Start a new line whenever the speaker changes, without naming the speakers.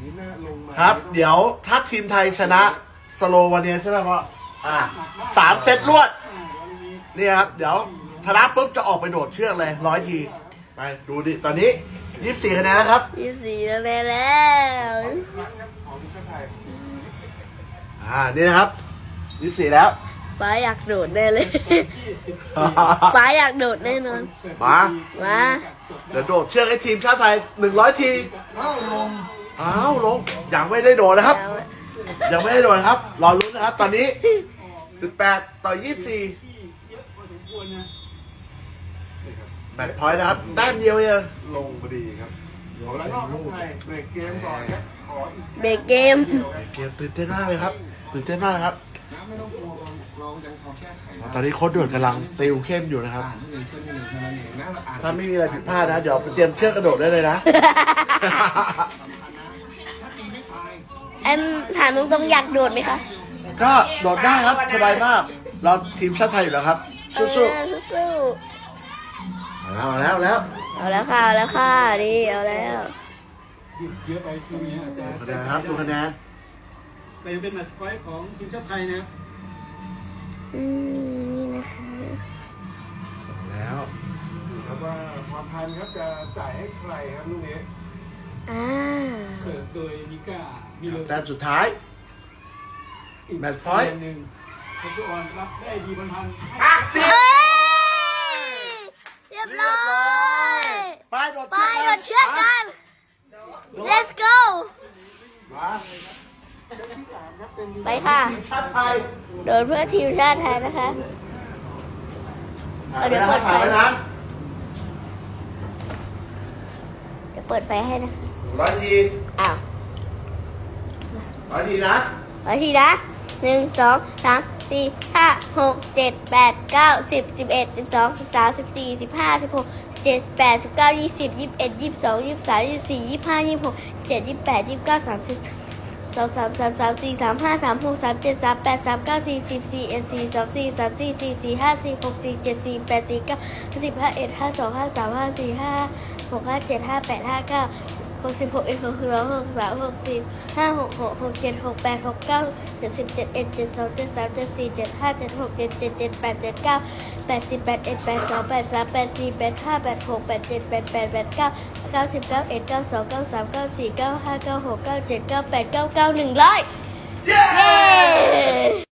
นี้น่าลงมา
ครับ เดี๋ยวถ้าทีมไทยชนะสโลวาเนียใช่ไหมพ่อ3 เซตรวดนี่ครับเดี๋ยวชนะปุ๊บจะออกไปโดดเชือกเลย100 ทีไปดูดิตอนนี้24 คะแนนแล้วครับ
24คะแนนแล้ว
ครั้งครับของทีมชาติไทย
นี่นะครับ24แล้ว
ป้าอยากโดดแน่เลยป้าอยากโดดแน่นอน
มา
มา
เดี๋ยวโดดเชือกให้ทีมชาติไทย100 ทีอ้าวลงยังไม่ได้โดดนะครับ ยังไม่ได้โดดนะครับรอลุ้นนะครับ ตอนนี้18 ต่อ 24แมตช์พอยต์นะครับแต้มเดียวเอง
ลงพอดีครับของแล้วนอกครับไทยเบรกเกมก่อนครับขออีก
เบรกเกม
เกมตื่นเต้นมากเลยครับตื่นเต้นมากเลยครับ
น้ำไม่ต้องกลัวเรายังพอแก้ไขได้
ตอนนี้โค้ชด่วนกำลังติวเข้มอยู่นะครับ
อ่านให้ดีขึ้นนิดนึงเท่านั้นเองนะเราอ่าน
ถ้าไม่มีอะไรผิดพลาดนะ เดี๋ยวไปเตรียมเชือกกระโดดได้เลยนะ
ถ้าตีไม่ตาย
แอมถามตรงๆอยากโดดไหมคะ
ก็โดดได้ครับสบายมาก เราทีมชาติไทยอยู่แล้วครับสู้
สู้
ๆเอาแล้ว
เอาแล้วค่ะเอาแล้วค่ะดีเอาแล้ว
เยอะไปช่วงนี้อาจจะ
ดูคะแนนครับดูคะแนน
แต่ยังเป็นแมตช์พอยต์ของทีมชาติไทยนะครับ
นี่นะคะ
แล้ว
ดูครับว่าพรพันธ์ครับจะจ่ายให้ใครครับลูกนี้
เสิร์ฟโดยมิก้ามิโล
แต้มสุดท้าย
อีก
แมตช์พอยต์
หนึ่งพัชออนรับได้ดีบอลพัน
เอ้ยเรียบร้อย
ไปโดด
ไปโดดเชือกกัน let's go
มา
ไปค่ะ
ทีมชาติไทย
โดดเพื่อทีมชาติไทยนะคะ เดี๋ยวเปิดไฟ
ถ่ายไว้นะ
เดี๋ยวเปิดไฟให้นะคะ
100 ที
อ้าว
100 ทีนะ
เอาทีนะ1 2 3 4 5 6 7 8 9 10 11 12 13 14 15 16 17 18 19 20 21 22 23 24 25 26 27 28 29 30 2 3 3 3 4 3 5 3 6 3 7 3 8 3 9 4 10 4 1 4 2 4 3 4 4 4 5 4 6 4 7 4 8 4 9 10 5 1 5 2 5 3 5 4 5 6 5 7 5 8 5 9 66 1 62 63 64 56 67 68 69 70 71 72 73 74 75 76 77 78 79 80 81 82 83 84 85 86 87 88 89 90 91 92 93 94 95 96 97 98 99 100 เย้